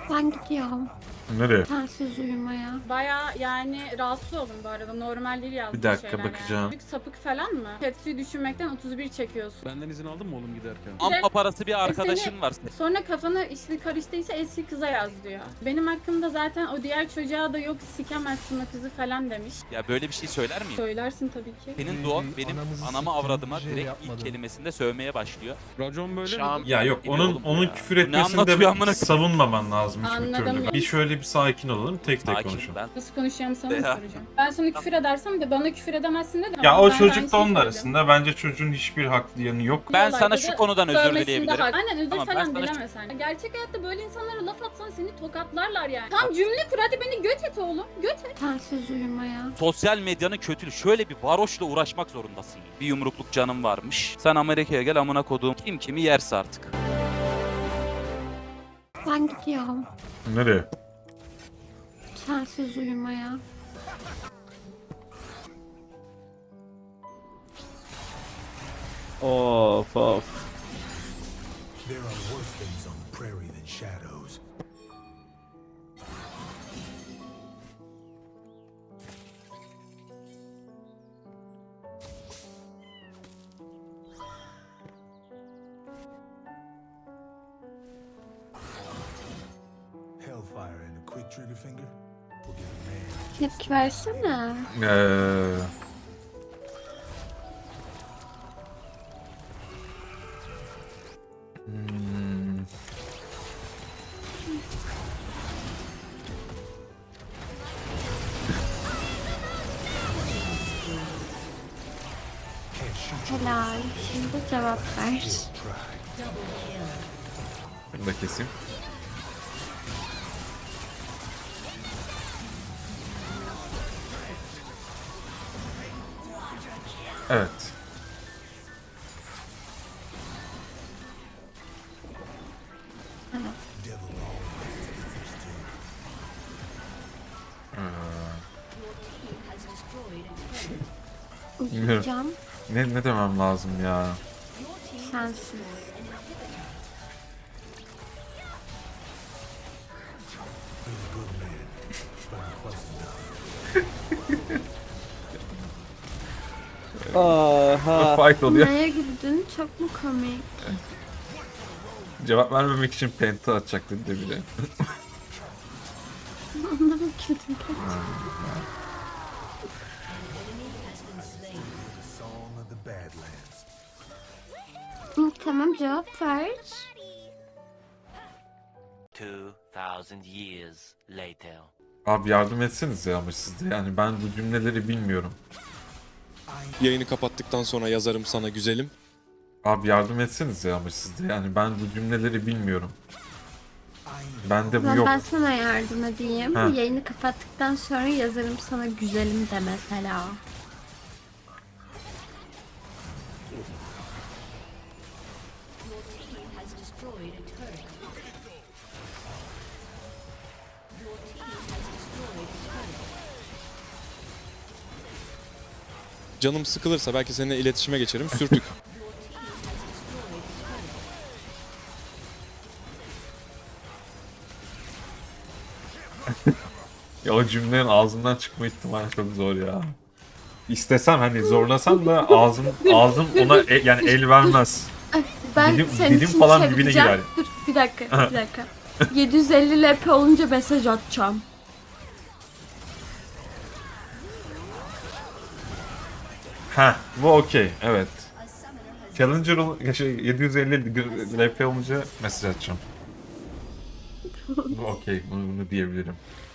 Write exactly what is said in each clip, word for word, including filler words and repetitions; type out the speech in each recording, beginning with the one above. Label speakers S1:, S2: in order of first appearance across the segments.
S1: Ben gidiyorum.
S2: Nereye?
S1: Sensiz uyumaya.
S3: Baya yani rahatsız oldum bu arada. Normal değil yazdığı
S2: Bir dakika,
S3: şeyler
S2: bakacağım.
S3: yani. Büyük sapık falan mı? Tetsu'yu düşünmekten otuz bir çekiyorsun.
S4: Benden izin aldın mı oğlum giderken?
S5: Amma parası bir
S3: Seni-
S5: arkadaşın var.
S3: Sonra kafanı işte karıştıysa eski kıza yaz diyor. Benim hakkımda zaten o diğer çocuğa da yok sikemezsin o kızı falan demiş.
S5: Ya böyle bir şey söyler miyim?
S3: Söylersin tabii ki.
S5: Senin
S6: Ee,
S5: doğan benim
S6: anamızı
S5: anama
S6: siktin,
S5: avradıma
S6: bir şey
S5: direkt
S6: yapmadın.
S5: ilk kelimesinde sövmeye başlıyor.
S4: Racon böyle
S5: Şam-
S4: mi?
S2: Ya yok,
S5: Biliyor
S2: onun
S5: oğlum
S2: onun
S5: ya.
S2: küfür
S5: Ne
S2: etmesini
S5: anlatıyor
S2: de
S5: amına koyayım?
S2: savunmaman lazım hiçbir
S3: Anladım
S2: türlü.
S3: ya.
S2: Bir şöyle bir sakin olalım, tek tek
S5: Sakin
S2: konuşalım.
S5: ben.
S3: Nasıl konuşacağımı sana mı
S5: Ya.
S3: soracağım? Ben sana küfür edersem de bana küfür edemezsin de.
S2: Ya
S3: Ama
S2: o
S3: ben de
S2: çocuk
S3: aynı
S2: da onun
S3: şeyi söyleyeceğim.
S2: arasında. Bence çocuğun hiçbir haklı yanı yok.
S5: Ben
S3: Bu
S5: sana
S3: olayda
S5: şu
S3: da
S5: konudan özür
S3: sövmesinde
S5: dileyebilirim.
S3: hak- Aynen özür
S5: Tamam, ben
S3: falan
S5: sana şu-
S3: dilemesen. Gerçek hayatta böyle insanlara laf atsan seni tokatlarlar yani. Tam cümle kur hadi beni göt et oğlum. Göt et.
S1: Sensiz uyumaya.
S5: Sosyal medyanın kötülüğü. Şöyle bir varoşla uğraşmak zorundasın. Bir yumrukluk canım varmış. Sen Amerika'ya gel amına koduğum. Kim kimi yerse artık.
S1: Ben gidiyorum.
S2: Nereye?
S1: Sensiz uyumaya.
S7: Of of.
S8: There are worse things on the prairie than shadows. Hellfire and a quick trigger finger will give a man
S1: Tepki versene.
S2: Ee, hmm,
S8: can't shoot you.
S1: Helal. Şimdi cevap ver.
S8: Try.
S2: bunu da keseyim. Evet.
S8: Devil always.
S1: Uyuyacağım.
S2: Ne ne demem lazım ya?
S1: Sensiz.
S8: He's a good man, but not close enough.
S7: Aha.
S2: Fight oluyor.
S1: Neye güldün? Çok mu komik?
S2: Cevap vermemek için penta atacak dedi de bile.
S1: Onunla mı güldün?
S8: The song of the Badlands.
S1: Hı, tamam cevap ver.
S9: Two thousand years later.
S2: Abi yardım etseniz ya ama siz de. Yani ben bu cümleleri bilmiyorum.
S10: Yayını kapattıktan sonra yazarım sana güzelim.
S2: Abi yardım etseniz ya ama siz de. Yani ben bu cümleleri bilmiyorum. Bende bu
S1: Ben,
S2: yok.
S1: ben sana yardım edeyim.
S2: Ha.
S1: Yayını kapattıktan sonra yazarım sana güzelim de mesela.
S10: Canım sıkılırsa belki seninle iletişime geçerim. Sürtük.
S2: Ya o cümlenin ağzımdan çıkma ihtimali çok zor ya. İstesem hani zorlasam da ağzım ağzım ona e- yani el vermez.
S1: Ben
S2: Dilim-
S1: senin
S2: dilim
S1: için
S2: falan dibine
S1: çevireceğim.
S2: girer.
S1: Dur bir dakika bir dakika. yedi yüz elli L P olunca mesaj atacağım.
S2: Ha, bu okey. Evet. Challenger ol- şey, yedi yüz elli L P olunca mesaj atacağım. Bu okey. Bunu, bunu diyebilirim.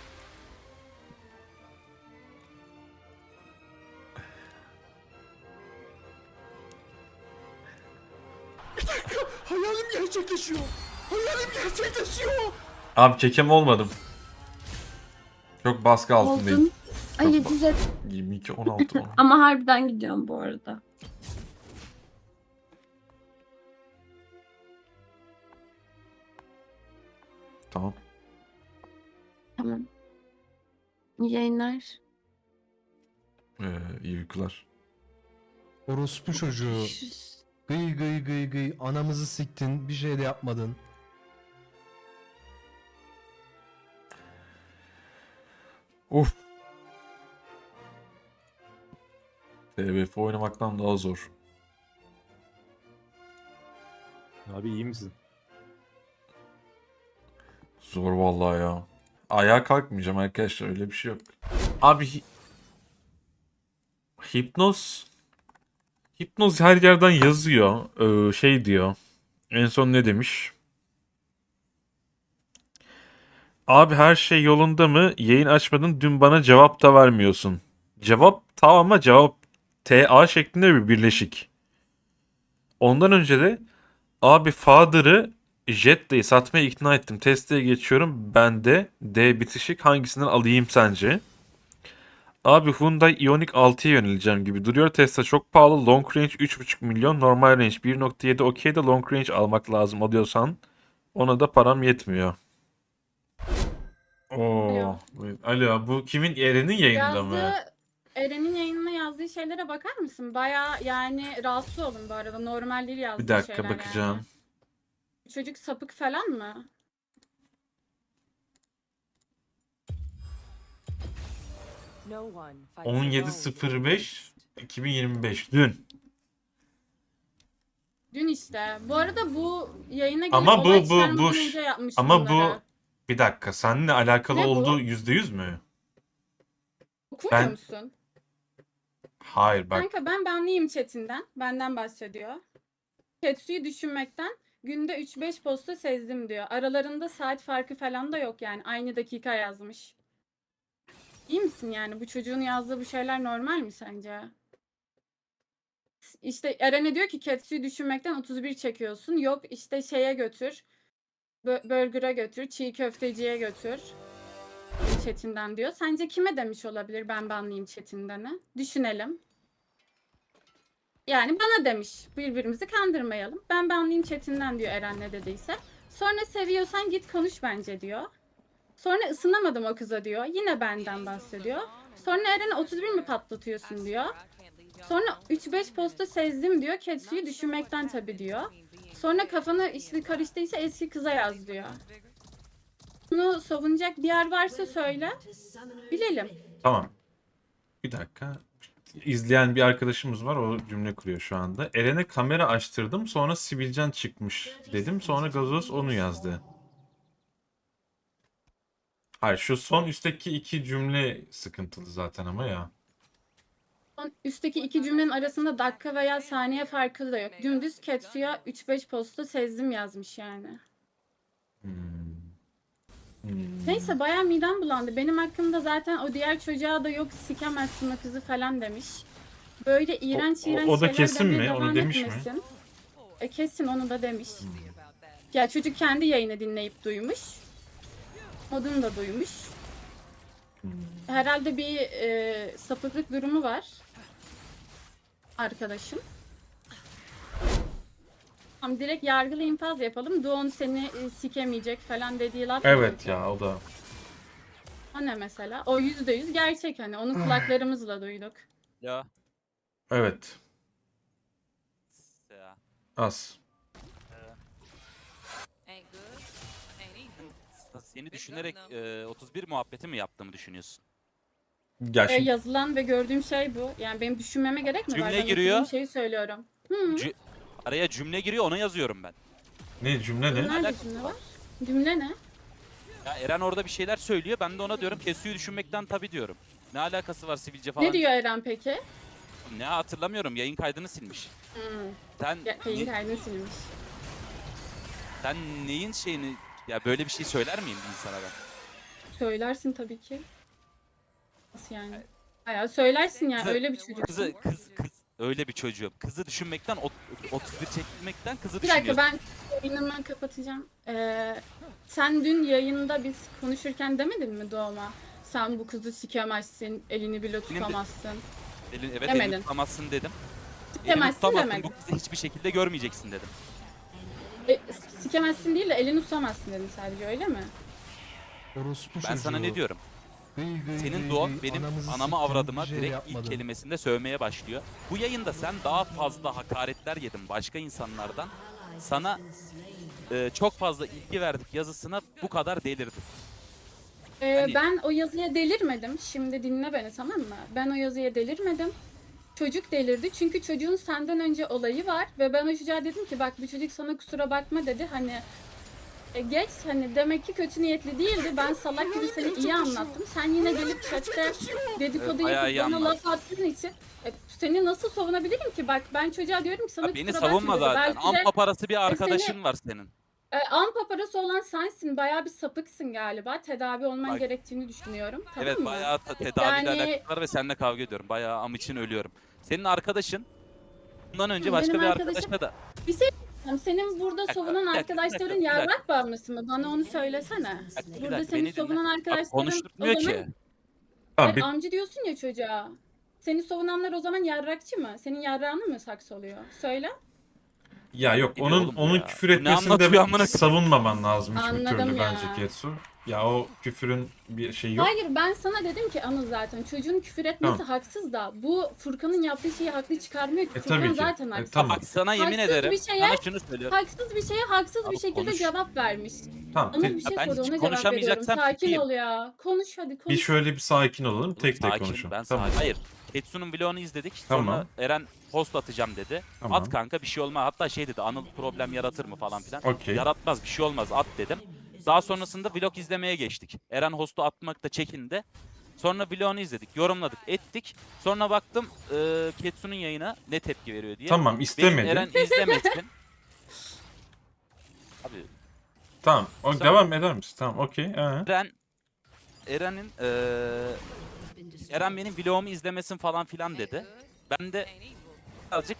S8: Hayalim gerçekleşiyor. Hayalim gerçekleşiyor.
S2: Abi kekem olmadım. Çok baskı altındayım.
S1: Oldun. Ay yedi yüz elli.
S2: yirmi iki on altı on.
S1: Ama harbiden gidiyorum bu arada.
S2: Tamam.
S1: Tamam. İyi yayınlar.
S2: Ee, iyi uykular.
S6: Orospu çocuğu.
S1: Görüşürüz.
S6: Gıy gıy gıy gıy. Anamızı siktin. Bir şey de yapmadın.
S2: Uf. T B F oynamaktan daha zor.
S7: Abi iyi misin?
S2: Zor vallahi ya. Ayağa kalkmayacağım arkadaşlar, öyle bir şey yok. Abi hi- hipnoz hipnoz her yerden yazıyor. Ee, şey diyor. En son ne demiş? Abi her şey yolunda mı? Yayın açmadın, dün bana cevap da vermiyorsun. Cevap tamam ama cevap T A şeklinde bir birleşik. Ondan önce de abi Father'ı Jetta'yı satmaya ikna ettim. Testeye geçiyorum. Ben de D bitişik, hangisinden alayım sence? Abi Hyundai Ioniq altıya yöneleceğim gibi duruyor. Tesla çok pahalı. Long range üç buçuk milyon. Normal range bir nokta yedi. Okey de long range almak lazım alıyorsan. Ona da param yetmiyor. Oo. Alo, bu kimin? Eren'in yayında mı?
S3: Yazdığı, Eren'in yayınına yazdığı şeylere bakar mısın? Baya yani rahatsız oldum bu arada. Normal değil yazdığı
S2: Bir dakika
S3: şeyler
S2: bakacağım.
S3: yani. Çocuk sapık falan mı?
S2: on yedi sıfır beş iki bin yirmi beş dün.
S3: Dün işte. Bu arada bu yayına gelip
S2: Ama bu-
S3: olay
S2: bu-
S3: çıkarmadan
S2: bu-
S3: önce yapmış
S2: Ama bu
S3: bunları.
S2: bir dakika, seninle alakalı
S3: Ne bu?
S2: olduğu yüzde yüz mü?
S3: Okumuyor
S2: ben-
S3: musun?
S2: Hayır bak.
S3: Kanka ben benliyim chatinden. Benden bahsediyor. Ketsu'yu düşünmekten günde üç beş posta sezdim diyor. Aralarında saat farkı falan da yok yani. Aynı dakika yazmış. İyi misin yani? Bu çocuğun yazdığı bu şeyler normal mi sence? İşte Eren'e diyor ki Ketsu'yu düşünmekten otuz bir çekiyorsun. Yok işte şeye götür. Bö- Burger'a götür. Çiğ köfteciye götür. Chatinden diyor. Sence kime demiş olabilir ben banlıyım chatinden'i? Düşünelim. Yani bana demiş. Birbirimizi kandırmayalım. Ben banlıyım chatinden diyor Eren ne dediyse. Sonra seviyorsan git konuş bence diyor. Sonra ısınamadım o kıza diyor. Yine benden bahsediyor. Sonra Eren'e otuz bir mi patlatıyorsun diyor. Sonra üç beş posta sezdim diyor. Ketsu'yu düşünmekten tabii diyor. Sonra kafanı işte karıştıysa eski kıza yaz diyor. Bunu savunacak bir yer varsa söyle. Bilelim.
S2: Tamam. Bir dakika. İzleyen bir arkadaşımız var, o cümle kuruyor şu anda. Eren'e kamera açtırdım, sonra sivilcen çıkmış dedim, sonra gazoz onu yazdı. Hayır, şu son üstteki iki cümle sıkıntılı zaten ama ya.
S3: Son üstteki iki cümlenin arasında dakika veya saniye farkı da yok. Dümdüz Ketsu'ya üç beş posta sezdim yazmış yani.
S2: Hmm. Hmm.
S3: Neyse bayağı midem bulandı. Benim hakkımda zaten o diğer çocuğa da yok sikemezsin o kızı falan demiş. Böyle iğrenç
S2: O- o-
S3: iğrenç
S2: o da
S3: şeyler
S2: kesin
S3: demeye
S2: mi? Onu
S3: devam
S2: demiş mi?
S3: etmesin. E kesin onu da demiş. Ya çocuk kendi yayını dinleyip duymuş. Modunu da duymuş. Herhalde bir e, sapıklık durumu var. Arkadaşım. Tamam direkt yargılı infaz yapalım. Doğan seni e, sikemeyecek falan dediği laf.
S2: Evet ya, o da.
S3: O ne mesela? O yüzde yüz gerçek hani. Onu kulaklarımızla duyduk.
S5: Ya.
S2: Evet.
S5: Ya.
S2: Az.
S5: Seni düşünerek e, otuz bir muhabbeti mi yaptığımı düşünüyorsun?
S2: Ya
S3: E,
S2: şimdi,
S3: yazılan ve gördüğüm şey bu. Yani benim düşünmeme gerek mi var?
S5: Cümle
S3: Ben
S5: giriyor.
S3: okuduğum şeyi söylüyorum. Hı.
S5: Cü- Araya cümle giriyor, ona yazıyorum ben.
S2: ne cümle ne?
S3: Nerede
S5: alakası
S3: cümle
S5: var?
S3: var? Cümle ne?
S5: Ya Eren orada bir şeyler söylüyor, ben de ona diyorum Kesu'yu düşünmekten tabii diyorum. Ne alakası var sivilce falan?
S3: Ne diyor Eren peki?
S5: Ne hatırlamıyorum, yayın kaydını silmiş.
S3: Hı.
S5: Sen,
S3: Ya, yayın
S5: ne-
S3: kaydını silmiş.
S5: sen neyin şeyini... Ya böyle bir şey söyler miyim insana ben?
S3: Söylersin tabii ki. Nasıl yani? Bayağı söylersin yani
S5: Kızı-
S3: öyle bir çocuk.
S5: Kızı, kız, kız, öyle bir çocuğum. Kızı düşünmekten, ot- otuz bir çekmekten kızı
S3: Bir dakika
S5: düşünüyorsun.
S3: ben yayınımı kapatacağım. Ee, sen dün yayında biz konuşurken demedin mi Doğum'a? Sen bu kızı sikemezsin, elini bile tutamazsın.
S5: Elin, evet
S3: Demedin.
S5: elini tutamazsın dedim. Elini
S3: Tutamazsın
S5: tutamazsın,
S3: demedin.
S5: bu kızı hiçbir şekilde görmeyeceksin dedim.
S3: E, sikemezsin değil de elini tutamazsın dedim sadece öyle mi?
S6: Orospu
S5: Ben sana ne diyorum?
S6: Gıy gıy
S5: Senin
S6: gıy
S5: doğan
S6: gıy,
S5: benim
S6: anamızı
S5: anama
S6: siktim,
S5: avradıma
S6: bir şey
S5: direkt
S6: yapmadım.
S5: ilk kelimesinde sövmeye başlıyor. Bu yayında sen daha fazla hakaretler yedin başka insanlardan. Sana e, çok fazla ilgi verdik yazısına bu kadar delirdin.
S3: Ee,
S5: Hani-
S3: Ben o yazıya delirmedim. Şimdi dinle beni, tamam mı? Ben o yazıya delirmedim. Çocuk delirdi çünkü çocuğun senden önce olayı var ve ben o çocuğa dedim ki bak bu çocuk sana kusura bakma dedi. Hani e, geç, hani demek ki kötü niyetli değildi. Ben salak gibi seni iyi anlattım. Sen yine gelip chatte dedikodu
S5: Evet, bayağı iyi
S3: yapıp bana
S5: anlattın.
S3: laf attığın için e, seni nasıl savunabilirim ki? Bak ben çocuğa diyorum ki sana
S5: Ya beni
S3: kusura bakma
S5: savunma
S3: dedi.
S5: zaten.
S3: Belki de
S5: Ampa parası bir
S3: seni-
S5: arkadaşın var senin.
S3: e, ampa parası olan sensin. Bayağı bir sapıksın galiba. Tedavi olman
S5: Bak-
S3: gerektiğini düşünüyorum. Tamam
S5: Evet
S3: mı?
S5: bayağı ta- tedaviyle
S3: Yani-
S5: alakalı var ve seninle kavga ediyorum. Bayağı am için ölüyorum. Senin arkadaşın bundan önce
S3: Hı,
S5: başka
S3: benim
S5: bir
S3: arkadaşım-
S5: arkadaşla da
S3: Yani senin burada
S5: dakika,
S3: savunan
S5: bir dakika, bir
S3: arkadaşların
S5: dakika, bir
S3: yarrak bağımlısı mı? Bana onu söylesene.
S5: Bir dakika, bir
S3: Burada
S5: dakika,
S3: seni
S5: beni dinle.
S3: savunan
S5: Bak,
S3: arkadaşların o
S5: konuşturmuyor
S3: zaman...
S5: ki.
S2: Tamam,
S3: Hayır,
S2: bir,
S3: amcı diyorsun ya çocuğa. Seni savunanlar o zaman yarrakçı mı? Senin yarrağını mı saksı oluyor? Söyle.
S2: ya yok
S5: Biliyor
S2: onun
S5: oğlum
S2: onun
S5: ya.
S2: küfür
S5: Bu ne
S2: etmesini
S5: anlatıyor
S2: de
S5: amına koyayım?
S2: savunmaman lazım hiçbir
S3: Anladım
S2: türlü
S3: ya.
S2: bence Getsu. Ya o küfürün bir şey yok.
S3: Hayır, ben sana dedim ki Anıl zaten çocuğun küfür etmesi
S2: Tamam.
S3: haksız da bu Furkan'ın yaptığı şeyi haklı çıkarmıyor ki.
S2: E,
S3: Furkan
S2: tabii ki.
S3: zaten
S2: E,
S3: haksız.
S2: tamam.
S5: Bak sana yemin
S3: Haksız
S5: ederim.
S3: bir şeye-
S5: Sana şunu söylüyorum.
S3: Haksız bir şeye haksız
S5: Abi
S3: bir şekilde
S5: konuş.
S3: cevap vermiş.
S2: Tamam.
S3: Anıl
S2: te-
S3: bir şey
S5: ben
S3: sordu
S5: hiç
S3: ona cevap veriyorum.
S5: konuşamayacaksam
S3: Sakin
S5: susayım.
S3: ol ya. Konuş hadi konuş.
S2: bir şöyle bir sakin olalım. Tek tek
S5: Sakin,
S2: konuşalım.
S5: Ben
S2: Tamam.
S5: sakin. Hayır. Ketsu'nun vlogunu izledik.
S2: Tamam.
S5: Sonra Eren post atacağım dedi.
S2: Tamam.
S5: At kanka bir şey olmaz. Hatta şey dedi Anıl problem yaratır mı falan filan.
S2: Okey.
S5: Yaratmaz bir şey olmaz at dedim. Daha sonrasında vlog izlemeye geçtik. Eren hostu atmakta çekindi. Sonra vlogunu izledik, yorumladık, ettik. Sonra baktım e, Ketsu'nun yayına ne tepki veriyor diye.
S2: Tamam
S5: Benim
S2: istemedi.
S5: Eren izlemesin. Abi
S2: Tamam. O,
S5: Sonra-
S2: devam eder misin? Tamam okey. Ee.
S5: Eren Eren'in eee Eren benim vlogumu izlemesin falan filan dedi. Ben de birazcık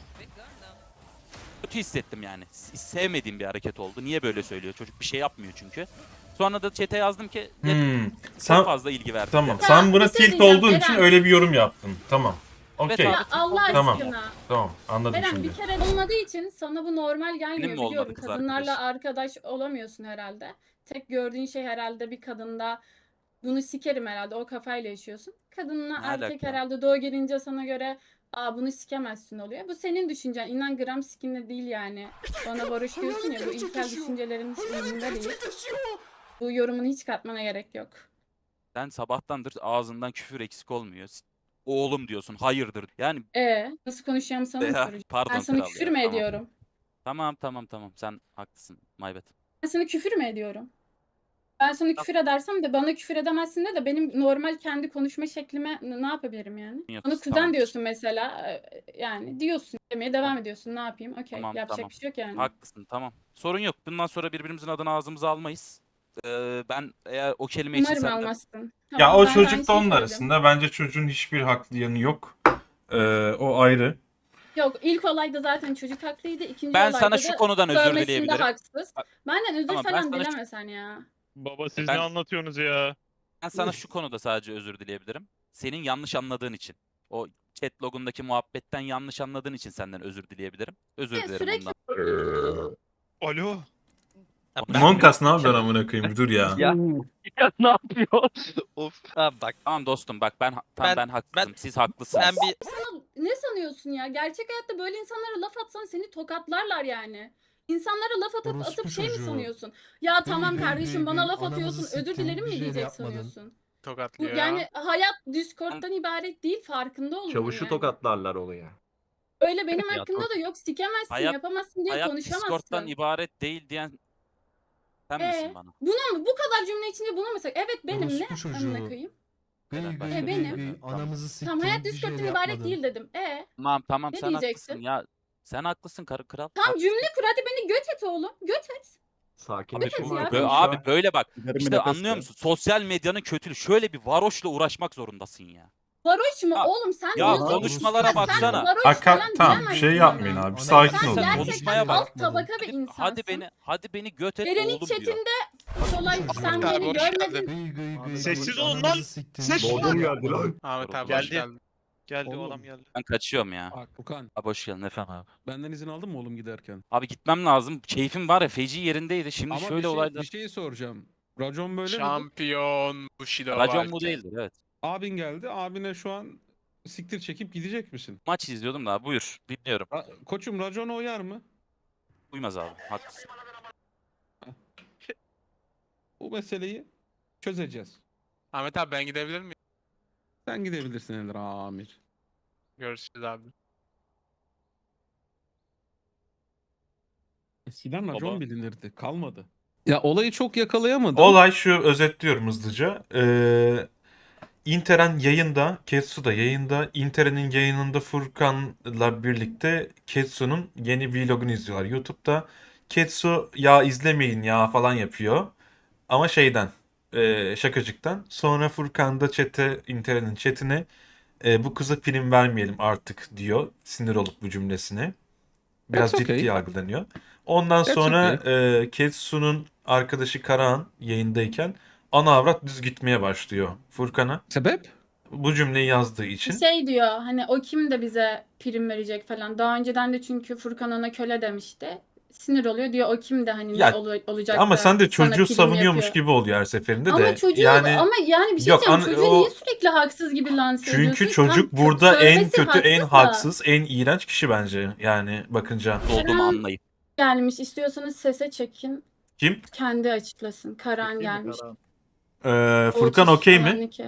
S5: kötü hissettim yani. S- Sevmediğim bir hareket oldu. Niye böyle söylüyor? Çocuk bir şey yapmıyor çünkü. Sonra da chat'e yazdım ki
S2: Hmm.
S5: çok
S2: Sen
S5: fazla ilgi verdi.
S2: tamam.
S3: Ya,
S2: Sen buna
S3: bir şey
S2: tilt
S3: diyeceğim,
S2: olduğun için
S3: Eren.
S2: öyle bir yorum yaptın. Tamam.
S5: Evet
S2: Okey.
S5: abi.
S3: Ya Allah
S2: Tamam.
S3: aşkına.
S2: Tamam. Anladım
S3: Eren
S2: şimdi.
S3: bir kere olmadığı için sana bu normal gelmiyor
S5: Benim mi olmadı
S3: biliyorum.
S5: kız
S3: Kadınlarla
S5: arkadaş?
S3: arkadaş olamıyorsun herhalde. Tek gördüğün şey herhalde bir kadında bunu sikerim herhalde o kafayla yaşıyorsun. Kadınla
S5: Ne
S3: erkek
S5: alaka?
S3: herhalde doğu gelince sana göre aa bunu sikemezsin oluyor. Bu senin düşüncen. İnan gram sikinle değil yani. Bana varoş diyorsun ya bu ilkel düşüncelerin hiç umurumda değil. Bu yorumunu hiç katmana gerek yok.
S5: Sen sabahtandır ağzından küfür eksik olmuyor. S- Oğlum diyorsun, hayırdır. Yani
S3: E nasıl konuşacağımı sana mı
S5: ya,
S3: soracağım?
S5: pardon
S3: Ben sana
S5: kral
S3: küfür
S5: ya,
S3: mü
S5: tamam.
S3: ediyorum?
S5: Tamam tamam tamam sen haklısın. My bad.
S3: Ben sana küfür mü ediyorum? Ben sana küfür edersem de bana küfür edemezsin de de benim normal kendi konuşma şeklime n- ne yapabilirim yani?
S5: Yok,
S3: Bana kuzen
S5: tamam.
S3: diyorsun mesela. e, Yani diyorsun. Demeye devam ediyorsun. Ne yapayım? Okey.
S5: Tamam,
S3: Yapacak
S5: tamam.
S3: bir şey yok yani.
S5: Haklısın tamam. Sorun yok. Bundan sonra birbirimizin adını ağzımıza almayız. Ee, ben eğer o kelime için
S3: Umarım
S5: senden...
S3: almazsın.
S2: Ya
S3: Tamam,
S2: o
S3: ben de aynı
S2: çocuk da
S3: şeyi
S2: onun
S3: söyledim.
S2: arasında. Bence çocuğun hiçbir haklı yanı yok. Ee, o ayrı.
S3: Yok ilk olayda zaten çocuk haklıydı. İkinci
S5: Ben
S3: olayda
S5: sana
S3: da
S5: şu konudan özür
S3: sövmesinde
S5: dileyebilirim.
S3: haksız.
S5: Bak-
S3: Benden özür
S5: Tamam, ben
S3: falan
S5: sana şu-
S3: dileme sen ya.
S11: Baba siz
S5: Ben-
S11: ne anlatıyorsunuz ya?
S5: Ben sana şu konuda sadece özür dileyebilirim. Senin yanlış anladığın için. O chat logundaki muhabbetten yanlış anladığın için senden özür dileyebilirim. Özür
S3: Ya,
S5: dilerim
S3: sürekli-
S5: bundan.
S11: Alo.
S2: Monkas ne yapıyorsun amına koyayım? Bir dur ya.
S12: Ya. Ya ne yapıyor? Of. Ha bak
S5: Tamam dostum bak ben tamam ben,
S12: Ben-
S5: haklısım. Siz haklısınız.
S12: ben bir
S3: Sana ne sanıyorsun ya? Gerçek hayatta böyle insanlara laf atsan seni tokatlarlar yani. İnsanlara laf atıp
S6: Orospu
S3: atıp şey mi
S6: çocuğu.
S3: sanıyorsun? Ya tamam
S6: hey,
S3: kardeşim
S6: hey,
S3: bana
S6: hey,
S3: laf
S6: anamızı
S3: atıyorsun özür
S6: siktin,
S3: dilerim
S6: bir
S3: mi
S6: şey de
S3: diyecek
S6: yapmadın.
S3: sanıyorsun? Bu,
S10: Tokatlıyor
S3: yani hayat Discord'dan ibaret değil farkında olun
S7: Çavuşu
S3: yani.
S7: tokatlarlar onu ya.
S3: Öyle benim
S12: Ya,
S3: hakkımda da yok sikemezsin
S5: Hayat-
S3: yapamazsın diye
S5: Hayat
S3: konuşamazsın.
S5: Discord'dan ibaret değil diyen sen
S3: Ee,
S5: misin bana?
S3: Buna mı? Bu kadar cümle içinde buna mı? sak- Evet benim ne?
S6: Orospu çocuğu.
S3: Amına koyayım.
S6: Gıy
S5: Neden
S6: gıy
S5: başka
S3: E,
S6: gıy
S3: benim.
S6: gıy anamızı siktin.
S3: Tamam hayat
S6: bir şey
S3: Discord'dan
S6: de
S3: ibaret
S6: yapmadın.
S3: değil dedim. E
S5: Tamam tamam
S3: Ne
S5: sen
S3: diyeceksin?
S5: haklısın ya. Sen haklısın karı kral.
S3: tamam
S5: Haklısın.
S3: cümle kur hadi beni göt et oğlum. Göt et.
S7: Sakinleşin
S3: Abi,
S7: var.
S3: ya.
S5: Bö-
S7: konuş
S5: abi
S7: ya.
S5: böyle bak.
S7: Giderim
S5: İşte
S7: nefes
S5: anlıyor
S7: ver.
S5: musun? Sosyal medyanın kötülüğü. Şöyle bir varoşla uğraşmak zorundasın ya.
S3: Varoş mu?
S5: Ya-
S3: Oğlum sen
S5: ya
S3: diyorsun ki-
S5: konuşmalara
S3: Sen
S5: baksana.
S3: varoş
S2: Aka,
S3: falan
S2: tamam
S3: diyemezsin
S2: şey
S3: bana.
S2: yapmayın abi. Bir
S6: Sen
S2: sakin
S3: Sen
S2: olun.
S3: gerçekten
S5: Konuşmaya bak.
S3: alt tabaka bir
S5: Hadi,
S3: insansın.
S5: hadi beni hadi beni göt et
S3: Eren'in
S5: oğlum diyor.
S3: chatinde Solay
S6: Orospu
S3: sen
S6: çocuğu.
S3: beni görmedin.
S6: Gıy gıy gıy
S11: Sessiz
S6: gıy,
S11: olun lan.
S6: anamızı siktin.
S11: Sessiz
S7: Doğdum geldi lan.
S10: Ahmet abi
S5: Geldi.
S10: hoş geldin.
S11: Geldi
S4: Oğlum.
S11: o adam geldi.
S5: Ben kaçıyorum ya.
S4: Bak Okan
S5: Abi hoş geldin efendim abi.
S4: benden izin aldın mı oğlum giderken?
S5: Abi gitmem lazım. Keyfim var ya feci yerindeydi. Şimdi
S4: Ama
S5: şöyle
S4: bir, şey,
S5: olaylar.
S4: bir şey soracağım. Racon böyle mi?
S10: Şampiyon Bushido
S5: Racon
S10: varken.
S5: bu değildir evet.
S4: Abin geldi. Abine şu an siktir çekip gidecek misin?
S5: Maç izliyordum da buyur. Dinliyorum.
S4: Ra- Koçum racona uyar mı?
S5: Uymaz abi. Haklısın.
S4: Bu meseleyi çözeceğiz.
S11: Ahmet abi ben gidebilir miyim?
S4: Sen gidebilirsin Ender Amir.
S11: Görüşürüz abi.
S4: Eskiden racon
S11: Baba.
S4: bilinirdi. Kalmadı. Ya olayı çok yakalayamadım.
S2: Olay şu, özetliyorum hızlıca. Ee, Interen yayında, Ketsu da yayında. Interen'in yayınında Furkan'la birlikte Ketsu'nun yeni vlogunu izliyorlar YouTube'da. Ketsu ya izlemeyin ya falan yapıyor. Ama şeyden, e, şakacıktan. Sonra Furkan da chat'e, Interen'in chat'ine e, bu kıza prim vermeyelim artık diyor. Sinir olup bu cümlesine. Biraz
S4: That's
S2: ciddi
S4: okay.
S2: yargılanıyor. Ondan
S4: That's
S2: sonra e, Ketsu'nun arkadaşı Karahan yayındayken ana avrat düz gitmeye başlıyor Furkan'a.
S4: Sebep?
S2: Bu cümleyi yazdığı için.
S3: Şey diyor hani o kim de bize prim verecek falan. Daha önceden de çünkü Furkan ona köle demişti. Sinir oluyor diyor o kim de hani
S2: Ya,
S3: ne ol- olacak
S2: Ama
S3: da
S2: sen de
S3: sana
S2: çocuğu
S3: prim
S2: savunuyormuş
S3: yapıyor.
S2: gibi oluyor her seferinde
S3: Ama
S2: de.
S3: çocuğu
S2: Yani
S3: ama yani bir şey
S2: Yok,
S3: diyeceğim.
S2: an-
S3: Çocuğu
S2: o-
S3: niye sürekli haksız gibi lanse ediyorsun?
S2: çünkü
S3: Tamam,
S2: çocuk
S3: kö-
S2: burada en
S3: söylemesi
S2: kötü, en
S3: da.
S2: haksız, en iğrenç kişi bence. Yani bakınca.
S5: Olduğumu anlayıp.
S3: Gelmiş istiyorsanız sese çekin.
S2: Kim?
S3: Kendi açıklasın. Karan gelmiş.
S2: Ee, Furkan
S3: Otis
S2: okey mi?
S3: falan iki.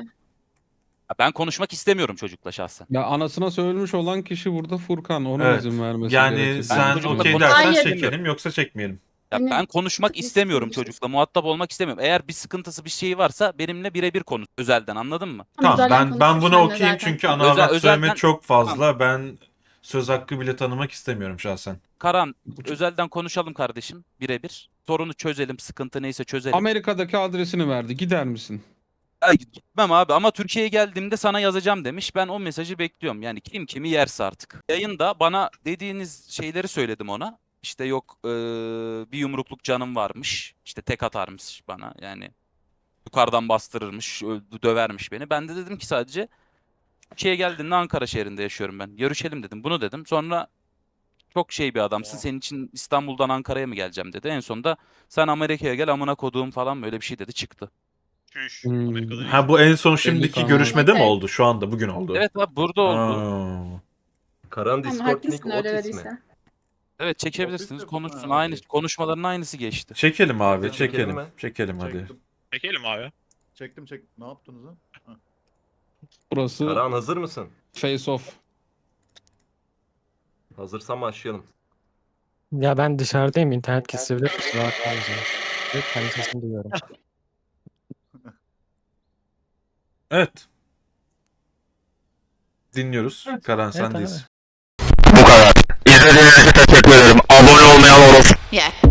S5: Ben konuşmak istemiyorum çocukla şahsen.
S4: Ya anasına söylemiş olan kişi burada Furkan. Ona
S2: Evet.
S4: izin vermesi
S2: Yani
S4: gerekir.
S2: sen
S5: çocukla
S2: okey
S5: konuşmak
S2: dersen
S3: istemiyorum.
S2: çekelim yoksa çekmeyelim.
S5: Ya
S3: Hani-
S5: ben konuşmak
S3: Biz
S5: istemiyorum
S3: konuşuruz.
S5: çocukla. Muhatap olmak istemiyorum. Eğer bir sıkıntısı bir şeyi varsa benimle birebir konuş. Özelden, anladın mı?
S2: Tamam,
S3: Zaten
S2: ben ben
S3: konuşmuş
S2: buna
S3: seninle
S2: okeyim
S3: zaten.
S2: çünkü ana
S5: Özel-
S2: avrat
S5: özelden-
S2: söyleme çok fazla. Ben söz hakkı bile tanımak istemiyorum şahsen.
S5: Karan, özelden konuşalım kardeşim birebir. Sorunu çözelim, sıkıntı neyse çözelim.
S4: Amerika'daki adresini verdi. Gider misin?
S5: Ay, gitmem abi ama Türkiye'ye geldiğimde sana yazacağım demiş. Ben o mesajı bekliyorum. Yani kim kimi yerse artık. Yayında bana dediğiniz şeyleri söyledim ona. İşte yok eee, bir yumrukluk canım varmış. İşte tek atarmış bana. Yani yukarıdan bastırırmış, öldü, dövermiş beni. Ben de dedim ki sadece Türkiye'ye geldiğinde Ankara şehrinde yaşıyorum ben. Görüşelim dedim. Bunu dedim. Sonra çok şey bir adamsın. Senin için İstanbul'dan Ankara'ya mı geleceğim dedi. En sonunda sen Amerika'ya gel amına koduğum falan böyle bir şey dedi çıktı.
S11: Çüş.
S4: Hmm.
S11: Amerika'da
S2: Ha, bu en son şimdiki
S4: tamam.
S2: görüşmede mi
S3: Okey.
S2: oldu? Şu anda, bugün oldu.
S5: Evet abi burada oldu.
S2: Aa.
S7: Karan
S3: Tamam
S7: Discord
S3: haklısın
S7: nick
S3: öyle
S7: Otis mi?
S3: dediyse.
S5: Evet çekebilirsiniz. Konuşsun. Aynı konuşmaların aynısı geçti.
S2: Çekelim abi,
S7: Çekelim
S2: çekelim.
S7: mi?
S2: Çekelim hadi.
S11: Çekelim abi.
S6: Çektim çektim. Ne yaptınız lan?
S4: Burası
S7: Karan hazır mısın?
S4: face off.
S7: Hazırsan başlayalım.
S12: Ya ben dışarıdayım. İnternet kesilebilir. Kusura bakmayın. Lütfen sesini duyuyorum.
S2: Evet. Dinliyoruz. Karan sendeyiz.
S9: İzlediğiniz için teşekkür ederim. Abone olmayan olursa.
S1: Yeah.